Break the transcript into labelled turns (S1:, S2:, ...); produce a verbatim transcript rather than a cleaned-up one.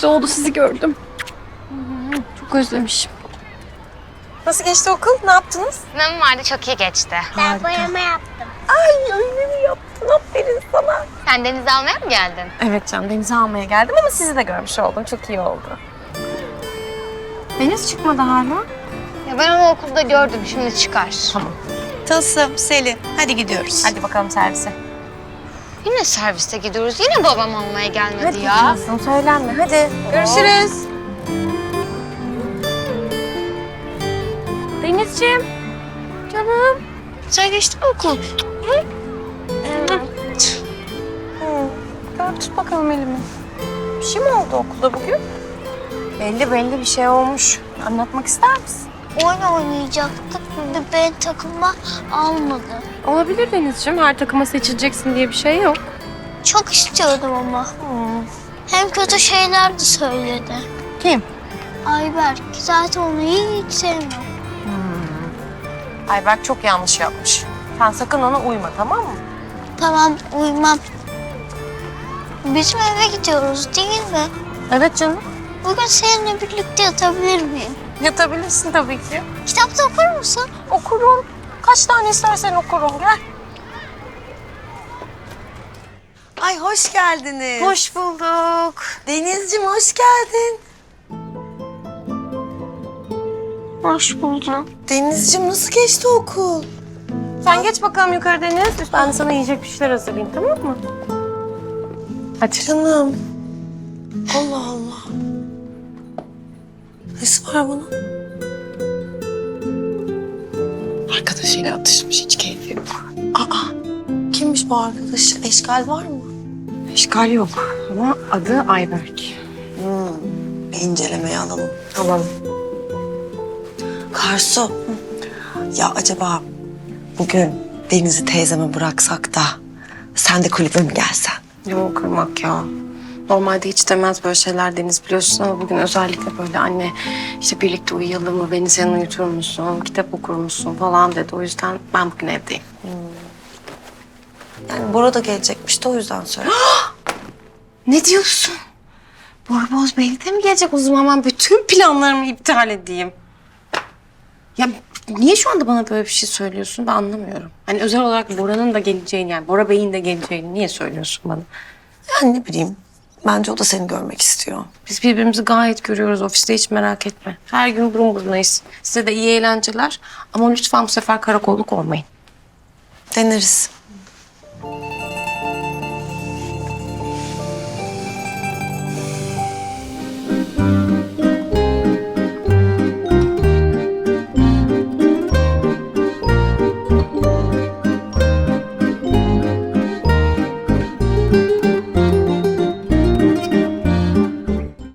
S1: oldu sizi gördüm. Çok özlemişim.
S2: Nasıl geçti okul? Ne yaptınız?
S3: Sınavım vardı, çok iyi geçti.
S4: Ben boyama yaptım.
S2: Ay öyle mi yaptın? Aferin sana.
S3: Sen denize almaya mı geldin?
S2: Evet canım, denize almaya geldim ama sizi de görmüş oldum. Çok iyi oldu. Deniz çıkmadı hala.
S3: Ya ben onu okulda gördüm, şimdi çıkar.
S2: Tamam.
S5: Tılsım, Selin, hadi gidiyoruz.
S2: Hadi bakalım servise.
S3: Yine serviste gidiyoruz, yine babam almaya gelmedi
S2: Hadi
S3: ya.
S2: Cansu'm, söylenme. Hadi. Görüşürüz.
S1: Denizciğim. Canım.
S3: Güzel geçti mi okul?
S2: Gel tut bakalım elimi. Bir şey mi oldu okulda bugün? Belli belli bir şey olmuş. Anlatmak ister misin?
S4: Oyun oynayacaktık ve beni takıma almadı.
S1: Olabilir Denizciğim. Her takıma seçileceksin diye bir şey yok.
S4: Çok istiyordum ama. Hem kötü şeyler de söyledi.
S2: Kim?
S4: Ayberk. Zaten onu hiç sevmiyorum.
S2: Ayberk çok yanlış yapmış. Sen sakın ona uyma, tamam mı?
S4: Tamam, uyumam. Bizim eve gidiyoruz değil mi?
S2: Evet canım.
S4: Bugün seninle birlikte yatabilir miyim?
S2: Yatabilirsin tabii ki.
S4: Kitap da okur musun?
S2: Okurum. Kaç tane istersen okurum. Gel.
S5: Ay hoş geldiniz.
S2: Hoş bulduk.
S5: Denizciğim hoş geldin.
S4: Hoş buldum.
S5: Denizciğim nasıl geçti okul?
S2: Sen geç bakalım yukarı Deniz. Ben de sana yiyecek bir şeyler hazırlayayım, tamam mı? Hadi.
S5: Canım. Allah Allah. Nesi var bunun? Arkadaşıyla atışmış, hiç keyfi yok. Aa, kimmiş bu arkadaş? Eşkal var mı?
S2: İşgal yok ama adı Ayberk.
S5: Hmm, bir incelemeye alalım.
S2: Alalım.
S5: Karsu, ya acaba bugün Deniz'i teyzeme bıraksak da sen de kulübe mi gelsen?
S6: Yok kırmak ya. Normalde hiç demez böyle şeyler Deniz biliyorsun ama bugün özellikle böyle anne işte birlikte uyuyalım mı, beni sen uyutur musun, kitap okur musun falan dedi. O yüzden ben bugün evdeyim.
S5: Yani Bora da gelecekmiş de o yüzden söyledim.
S6: Ne diyorsun? Bora Boz Bey de mi gelecek o zaman ben bütün planlarımı iptal edeyim? Ya niye şu anda bana böyle bir şey söylüyorsun ben anlamıyorum. Hani özel olarak Bora'nın da geleceğini yani Bora Bey'in de geleceğini niye söylüyorsun bana?
S5: Yani ne bileyim, bence o da seni görmek istiyor.
S6: Biz birbirimizi gayet görüyoruz ofiste hiç merak etme. Her gün burun burunayız. Size de iyi eğlenceler ama lütfen bu sefer karakolluk olmayın.
S5: Deneriz.